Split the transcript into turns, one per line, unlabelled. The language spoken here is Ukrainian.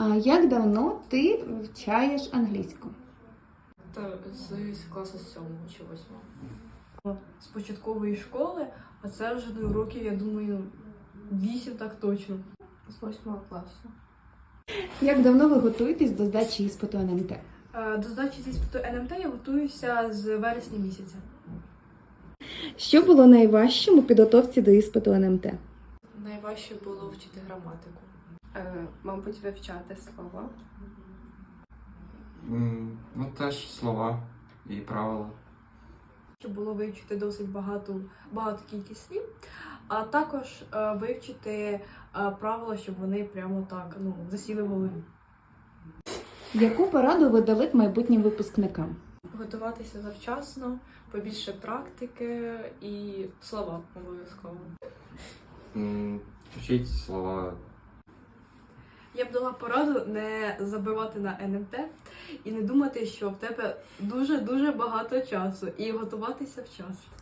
А як давно ти вивчаєш англійську?
Та з класу 7 чи 8. З початкової школи, а це вже до років, я думаю, 8 так точно. З 8 класу.
Як давно ви готуєтесь до здачі іспиту НМТ?
До здачі з іспиту НМТ я готуюся з вересня місяця.
Що було найважчим у підготовці до іспиту НМТ?
Найважче було вчити граматику.
Мабуть, вивчати слова.
Ну, теж слова і правила.
Щоб було вивчити досить багато кількість слів, а також вивчити правила, щоб вони прямо так засіли в голові.
Яку пораду ви дали б майбутнім випускникам?
Готуватися завчасно, побільше практики і слова обов'язково.
Вчіть слова.
Я б дала пораду не забивати на НМТ і не думати, що в тебе дуже-дуже багато часу, і готуватися вчасно.